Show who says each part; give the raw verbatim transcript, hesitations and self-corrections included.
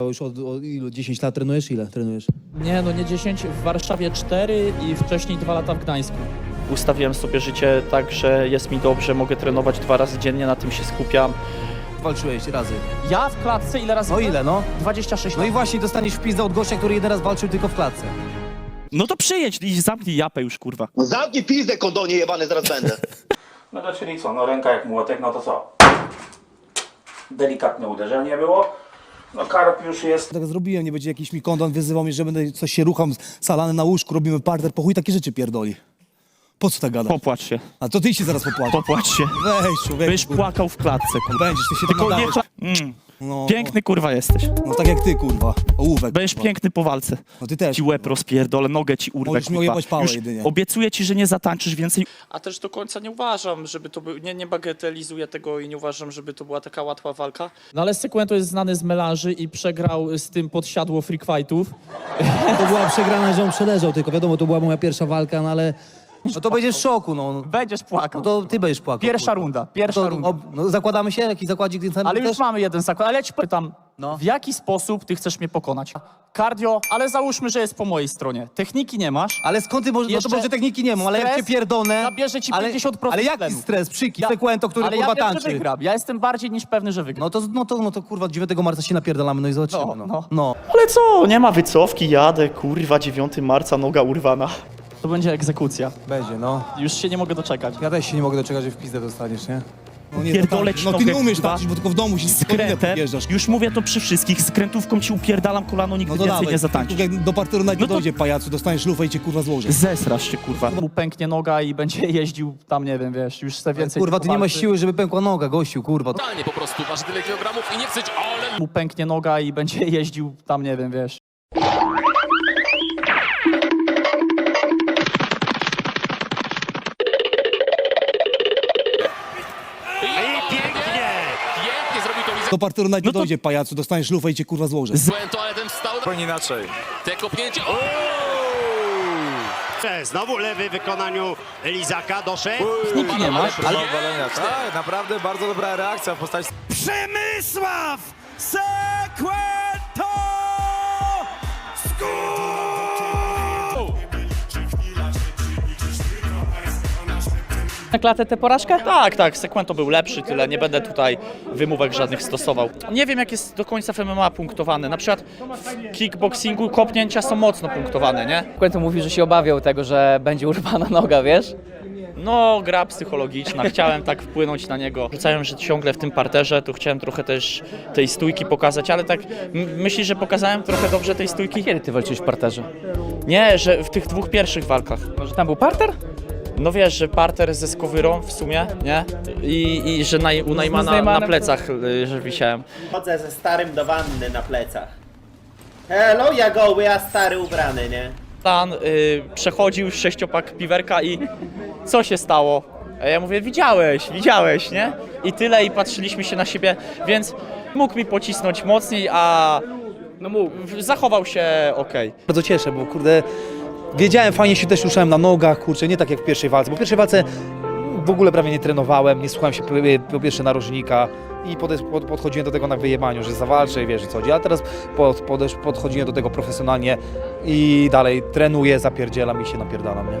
Speaker 1: Już od, od ilu? dziesięć lat trenujesz? Ile trenujesz?
Speaker 2: Nie, no nie dziesięć, w Warszawie cztery i wcześniej dwa lata w Gdańsku.
Speaker 3: Ustawiłem sobie życie tak, że jest mi dobrze, mogę trenować dwa razy dziennie, na tym się skupiam.
Speaker 1: Walczyłeś razy.
Speaker 2: Ja w klatce ile razy?
Speaker 1: No ile, no?
Speaker 2: dwadzieścia sześć
Speaker 1: No i
Speaker 2: lat.
Speaker 1: właśnie dostaniesz wpizdę od gościa, który jeden raz walczył tylko w klatce.
Speaker 3: No to przyjedź i zamknij japę już, kurwa.
Speaker 4: No zamknij pizdę, kondonie jebany, zaraz będę.
Speaker 5: No to czyli co, no ręka jak młotek, no to co? Delikatne uderzenie było. No karp już jest.
Speaker 1: Tak zrobiłem, nie będzie jakiś mi kondon wyzywał mnie, że będę coś się rucham, salany na łóżku, robimy parter, po chuj takie rzeczy pierdoli. Po co tak gada?
Speaker 3: Popłacz się,
Speaker 1: A to ty się zaraz popłaczesz.
Speaker 3: popłacz się.
Speaker 1: Weź, człowieku.
Speaker 3: Będziesz
Speaker 1: kurwa.
Speaker 3: płakał w klatce, kurwa.
Speaker 1: Będziesz, ty się
Speaker 3: Tylko
Speaker 1: tak
Speaker 3: nie...
Speaker 1: nadajesz.
Speaker 3: Mm.
Speaker 1: No,
Speaker 3: Piękny, kurwa, jesteś.
Speaker 1: No tak jak ty, kurwa. Ołówek.
Speaker 3: Będziesz
Speaker 1: kurwa.
Speaker 3: piękny po walce.
Speaker 1: No ty też.
Speaker 3: Ci łeb rozpierdolę, nogę ci urwę,
Speaker 1: Możesz mi
Speaker 3: kurwa.
Speaker 1: ojebać pałę
Speaker 3: Już
Speaker 1: jedynie.
Speaker 3: obiecuję ci, że nie zatańczysz więcej.
Speaker 6: A też do końca nie uważam, żeby to był, nie, nie bagatelizuję tego i nie uważam, żeby to była taka łatwa walka.
Speaker 2: No ale Sekwento jest znany z melanży i przegrał z tym podsiadło freak fightów.
Speaker 1: To była przegrana, że on przeleżał, tylko wiadomo, to była moja pierwsza walka, no ale... No to będziesz w szoku, no.
Speaker 2: Będziesz płakał.
Speaker 1: No to ty będziesz płakał.
Speaker 2: Pierwsza
Speaker 1: kurwa.
Speaker 2: runda, pierwsza
Speaker 1: to,
Speaker 2: runda.
Speaker 1: ob, no, zakładamy się? Jaki zakładzik ten sam
Speaker 2: Ale już
Speaker 1: też?
Speaker 2: mamy jeden zakład, ale ja ci pytam,
Speaker 1: No.
Speaker 2: w jaki sposób ty chcesz mnie pokonać? Cardio, ale załóżmy, że jest po mojej stronie. Techniki nie masz.
Speaker 1: Ale skąd ty możesz, no to
Speaker 2: Jeszcze
Speaker 1: może techniki nie mam, ale jak cię
Speaker 2: stres
Speaker 1: pierdolę...
Speaker 2: zabierze ci
Speaker 1: ale,
Speaker 2: pięćdziesiąt procent
Speaker 1: Ale jaki
Speaker 2: tlenu.
Speaker 1: stres? Przyki,
Speaker 2: Ja-
Speaker 1: Sekwento, który
Speaker 2: ale
Speaker 1: kurwa
Speaker 2: ja wiem,
Speaker 1: tańczy.
Speaker 2: że wygram. Ja jestem bardziej niż pewny, że wygram.
Speaker 1: No to, no to, no to kurwa dziewiątego marca się napierdalamy, no i zobaczymy,
Speaker 2: No,
Speaker 1: no.
Speaker 2: no.
Speaker 1: no.
Speaker 3: Ale co, nie ma wycofki, jadę, kurwa, dziewiątego marca, noga urwana.
Speaker 2: To będzie egzekucja.
Speaker 1: Będzie, no.
Speaker 2: Już się nie mogę doczekać.
Speaker 1: Ja też się nie mogę doczekać, że w pizdę dostaniesz, nie? No nie,
Speaker 3: Pierdolę
Speaker 1: no,
Speaker 3: ci
Speaker 1: no ty
Speaker 3: nogę,
Speaker 1: nie umiesz
Speaker 3: kurwa.
Speaker 1: tańczyć, bo tylko w domu się
Speaker 3: Skrętem,
Speaker 1: podjeżdżasz.
Speaker 3: już mówię to przy wszystkich, skrętówką ci upierdalam kolano, nigdy
Speaker 1: No to
Speaker 3: więcej
Speaker 1: dawaj,
Speaker 3: nie zatańczysz.
Speaker 1: jak do parteru nawet
Speaker 3: No
Speaker 1: nie
Speaker 3: to-
Speaker 1: dojdzie, pajacu, dostaniesz lufę i cię kurwa złoży.
Speaker 3: Zesrasz się, kurwa.
Speaker 2: Mu pęknie noga i będzie jeździł tam, nie wiem, wiesz, już chce więcej...
Speaker 1: Kurwa, ty nie masz
Speaker 2: walczy.
Speaker 1: siły, żeby pękła noga, gościu, kurwa.
Speaker 7: Totalnie po prostu waży tyle kilogramów i nie chceć, ale...
Speaker 2: Mu pęknie noga i będzie jeździł tam, nie wiem, wiesz.
Speaker 7: I pięknie! Pięknie zrobił to Lizak.
Speaker 1: Do parteru nawet nie
Speaker 3: No to-
Speaker 1: dojdzie, pajacu, dostaniesz lufę i cię kurwa złoży.
Speaker 7: Błęto, ale ten wstał.
Speaker 8: Zupełnie inaczej.
Speaker 7: Te kopnięcie. O!
Speaker 9: Znowu lewy w wykonaniu Lizaka doszedł.
Speaker 2: Techniki nie masz.
Speaker 8: Ale... Walenia. Tak, naprawdę bardzo dobra reakcja w postaci...
Speaker 9: Przemysław Sekwento!
Speaker 2: Na klatę tę porażkę?
Speaker 3: Tak, tak, Sekwento był lepszy, tyle, nie będę tutaj wymówek żadnych stosował. Nie wiem, jak jest do końca w M M A punktowane. Na przykład w kickboxingu kopnięcia są mocno punktowane, nie?
Speaker 10: Quentin mówi, że się obawiał tego, że będzie urwana noga, wiesz?
Speaker 3: No, gra psychologiczna, chciałem tak wpłynąć na niego. Rzucałem, że ciągle w tym parterze, to chciałem trochę też tej stójki pokazać, ale tak m- myślisz, że pokazałem trochę dobrze tej stójki?
Speaker 10: Kiedy ty walczyłeś w parterze?
Speaker 3: Nie, że w tych dwóch pierwszych walkach.
Speaker 10: Może tam był parter?
Speaker 3: No wiesz, że parter ze skowyrą w sumie, nie? I, i że naj, u Najmana na
Speaker 10: Najmanem
Speaker 3: plecach, y, że wisiałem.
Speaker 11: Chodzę ze starym do wanny na plecach. Hello, ja goły, a stary ubrany, nie?
Speaker 3: Stan y, przechodził sześciopak piwerka i co się stało? A ja mówię, widziałeś, widziałeś, nie? I tyle, i patrzyliśmy się na siebie, więc mógł mi pocisnąć mocniej, a no mógł, zachował się okej.
Speaker 1: Bardzo cieszę, bo kurde, wiedziałem, fajnie się też ruszałem na nogach, kurczę, nie tak jak w pierwszej walce, bo w pierwszej walce w ogóle prawie nie trenowałem, nie słuchałem się po, po pierwsze narożnika i pod, pod, podchodziłem do tego na wyjebaniu, że zawalczę i wiesz, co chodzi, a teraz pod, pod, podchodziłem do tego profesjonalnie i dalej trenuję, zapierdzielam i się napierdalam, nie?